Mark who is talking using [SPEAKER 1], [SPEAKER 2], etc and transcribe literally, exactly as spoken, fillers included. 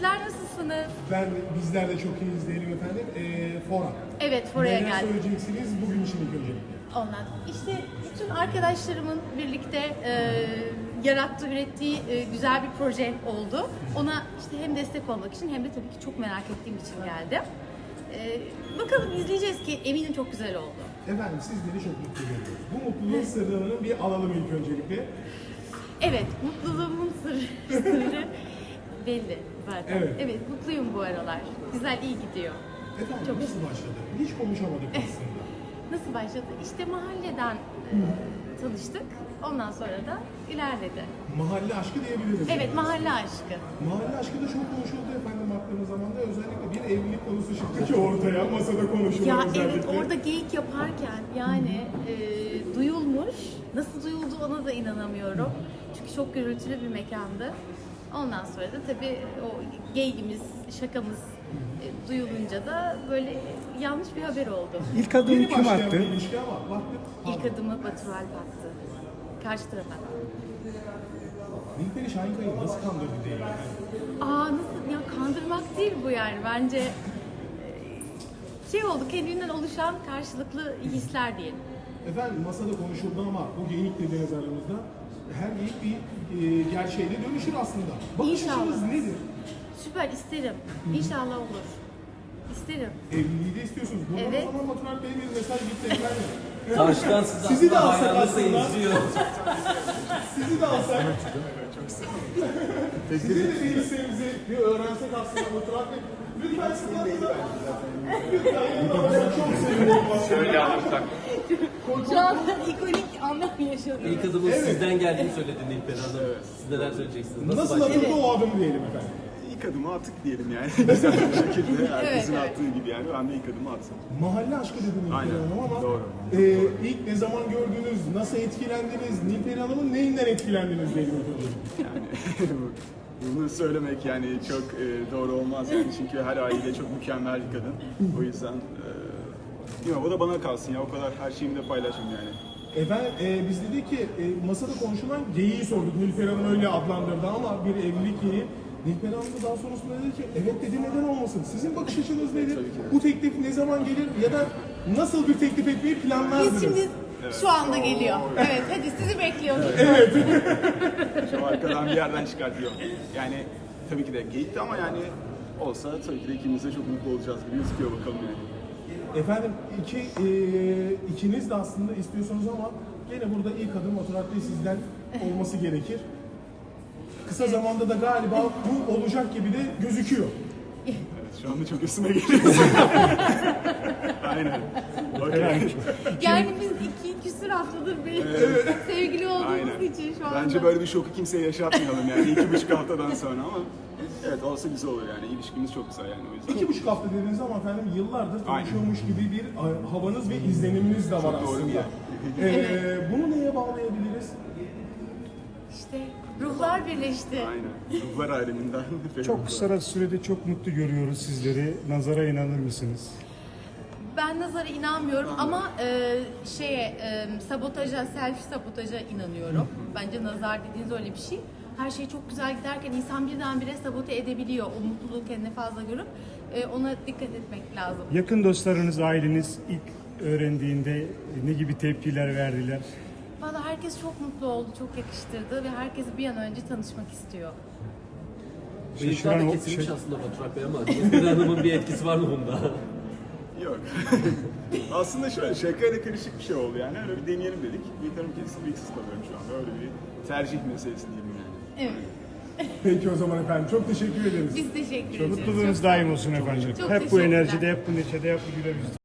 [SPEAKER 1] Sizler nasılsınız?
[SPEAKER 2] Ben bizler de çok iyiyiz diyelim efendim. Ee, Fora.
[SPEAKER 1] Evet, Fora'ya
[SPEAKER 2] Neler
[SPEAKER 1] geldim.
[SPEAKER 2] söyleyeceksiniz bugün için ilk öncelikle?
[SPEAKER 1] Ondan. İşte bütün arkadaşlarımın birlikte e, yarattığı, ürettiği e, güzel bir proje oldu. Ona işte hem destek olmak için hem de tabii ki çok merak ettiğim için geldim. E, bakalım izleyeceğiz ki eminim çok güzel oldu.
[SPEAKER 2] Efendim sizleri çok mutlu görüyoruz. Bu mutluluğun sırrını bir alalım ilk öncelikle.
[SPEAKER 1] Evet, mutluluğumun sırrı, sırrı belli zaten.
[SPEAKER 2] Evet.
[SPEAKER 1] Evet, mutluyum bu aralar. Güzel, iyi gidiyor.
[SPEAKER 2] Efendim
[SPEAKER 1] Çok
[SPEAKER 2] nasıl başladı? Hiç konuşamadık aslında.
[SPEAKER 1] Nasıl başladı? İşte mahalleden e, tanıştık. Ondan sonra da ilerledi.
[SPEAKER 2] Mahalle aşkı diyebiliriz.
[SPEAKER 1] Evet,
[SPEAKER 2] yani.
[SPEAKER 1] mahalle aşkı.
[SPEAKER 2] Mahalle aşkı da çok konuşuldu efendim baktığımız zaman da özellikle bir evlilik konusu çıktı ki ortaya masada konuşuldu
[SPEAKER 1] Ya
[SPEAKER 2] özellikle.
[SPEAKER 1] evet, orada geyik yaparken yani e, duyulmuş. Nasıl duyuldu ona da inanamıyorum. Çünkü çok gürültülü bir mekandı. Ondan sonra da tabii o geyigimiz, şakamız e, duyulunca da böyle yanlış bir haber oldu.
[SPEAKER 3] İlk adımı
[SPEAKER 2] Yeni
[SPEAKER 3] kim
[SPEAKER 2] başlayan
[SPEAKER 3] attı?
[SPEAKER 2] bir ilişki ama baktık.
[SPEAKER 1] İlk adımı Batur Alp attı. Karşı tarafa.
[SPEAKER 2] Nilperi Şahinkaya'yı nasıl kandırdı diyelim efendim.
[SPEAKER 1] Aa nasıl ya, kandırmak değil bu yani bence e, şey oldu, kendinden oluşan karşılıklı hisler diyelim.
[SPEAKER 2] Efendim masada konuşuldu ama bu geyik dediğiniz aramızda her geyik bir e, gerçeğe de dönüşür aslında. Bakış
[SPEAKER 1] İnşallah.
[SPEAKER 2] açınız nedir?
[SPEAKER 1] Süper, isterim. İnşallah olur. İsterim.
[SPEAKER 2] Evliliği de istiyorsunuz. Buradan
[SPEAKER 1] Evet.
[SPEAKER 2] o zaman Batur Alp Bey'e bir mesaj gitti efendim.
[SPEAKER 4] Karşıdan siz
[SPEAKER 2] Sizi de
[SPEAKER 4] aslında
[SPEAKER 2] alsak
[SPEAKER 4] hayranınızla
[SPEAKER 2] aslında.
[SPEAKER 4] izliyor.
[SPEAKER 2] Sizi de alsak. Sizin de bir isteğinizi bir öğrensek aslında Batur Alp Bey. Lütfen siz yanınıza. Lütfen yanınıza. Çok sevinirim.
[SPEAKER 5] Şöyle alırsak.
[SPEAKER 1] Şu an ikonik anlar yaşadım.
[SPEAKER 4] İlk adımın
[SPEAKER 2] Evet.
[SPEAKER 4] sizden geldiğini söyledi Nilperi Hanım. Siz neler söyleyeceksiniz? Nasıl,
[SPEAKER 2] Nasıl
[SPEAKER 4] başladı?
[SPEAKER 2] atıldı o adım diyelim efendim.
[SPEAKER 5] İlk adımı attık diyelim yani. Güzel bir şekilde herkesin
[SPEAKER 1] Evet, evet.
[SPEAKER 5] attığı gibi yani. Ben de ilk adımı attım.
[SPEAKER 2] Mahalle aşkı dediniz
[SPEAKER 5] Aynen,
[SPEAKER 2] Nilperi Hanım ama
[SPEAKER 5] doğru.
[SPEAKER 2] E, ilk ne zaman gördünüz, nasıl etkilendiniz, Nilperi Hanım'ın neyinden etkilendiniz diyelim efendim.
[SPEAKER 5] Yani bunu söylemek yani çok e, doğru olmaz yani. Çünkü her aile çok mükemmel bir kadın. O yüzden e, bilmiyorum, o da bana kalsın ya. O kadar her şeyimi de paylaşım yani.
[SPEAKER 2] Efendim e, biz dedik ki e, masada konuşulan geyiği sorduk. Nilperi Hanım öyle adlandırdı ama bir evlilik geyiği. Nilperi Hanım da daha sonrasında dedi ki evet dedi, neden olmasın? Sizin bakış açınız nedir?
[SPEAKER 5] Tabii ki.
[SPEAKER 2] Bu teklif ne zaman gelir ya da nasıl bir teklif etmeyi planlardınız?
[SPEAKER 1] Biz şimdi şu anda geliyor. Evet, hadi sizi bekliyoruz.
[SPEAKER 5] Şu arkadan bir yerden çıkartıyor. Yani tabii ki de geyikti ama yani olsa tabii ki de ikimiz de çok mutlu olacağız gibi gözüküyor, bakalım yani.
[SPEAKER 2] Efendim iki, e, ikiniz de aslında istiyorsunuz ama gene burada ilk adım Batur Alp Bey sizden olması gerekir. Kısa zamanda da galiba bu olacak gibi de gözüküyor.
[SPEAKER 5] Evet, şu anda çok üstüme geliyorsun. Aynen. Okay.
[SPEAKER 1] Yani biz iki küsur haftadır bir sevgili olduğumuz
[SPEAKER 5] Aynen.
[SPEAKER 1] için şu anda.
[SPEAKER 5] Bence böyle bir şoku kimseye yaşatmayalım yani iki buçuk haftadan sonra ama evet olsa güzel olur yani, ilişkimiz çok güzel yani o yüzden.
[SPEAKER 2] İki buçuk hafta dediğiniz ama efendim yıllardır tanışıyormuş gibi bir e, havanız ve izleniminiz de var
[SPEAKER 5] Çok doğru
[SPEAKER 2] aslında.
[SPEAKER 5] bir
[SPEAKER 2] Ee, bunu neye bağlayabiliriz?
[SPEAKER 1] İşte ruhlar birleşti.
[SPEAKER 5] Aynen. Ruhlar aleminden.
[SPEAKER 3] Çok kısa sürede çok mutlu görüyoruz sizleri. Nazara inanır mısınız?
[SPEAKER 1] Ben nazara inanmıyorum ama e, şeye e, sabotaja, self sabotaja inanıyorum. Bence nazar dediğiniz öyle bir şey. Her şey çok güzel giderken insan birdenbire sabote edebiliyor. O mutluluğu kendine fazla görüp e, ona dikkat etmek lazım.
[SPEAKER 3] Yakın dostlarınız, aileniz ilk öğrendiğinde ne gibi tepkiler verdiler?
[SPEAKER 1] Valla herkes çok mutlu oldu, çok yakıştırdı ve herkes bir an önce tanışmak istiyor.
[SPEAKER 4] Bıyıklar
[SPEAKER 3] Şaşıran
[SPEAKER 4] da
[SPEAKER 3] o
[SPEAKER 4] kesilmiş
[SPEAKER 3] şey-
[SPEAKER 4] aslında Batur Alp Bey ama Nilperi Hanım'ın bir etkisi var mı bunda?
[SPEAKER 5] Yok. Aslında şöyle şakayla karışık bir şey oldu yani. Öyle bir deneyelim dedik. Bıyıklarım kesin, bıyıksız kalıyorum şu anda. Öyle bir tercih meselesi diyeyim yani.
[SPEAKER 1] Evet.
[SPEAKER 2] Peki o zaman efendim çok teşekkür ederiz.
[SPEAKER 1] Biz teşekkür ederiz.
[SPEAKER 3] Mutluluğunuz daim olsun efendim.
[SPEAKER 1] Çok
[SPEAKER 3] Hep bu
[SPEAKER 1] teşekkürler.
[SPEAKER 3] enerjide, hep bu neşede, hep bu güler yüzde.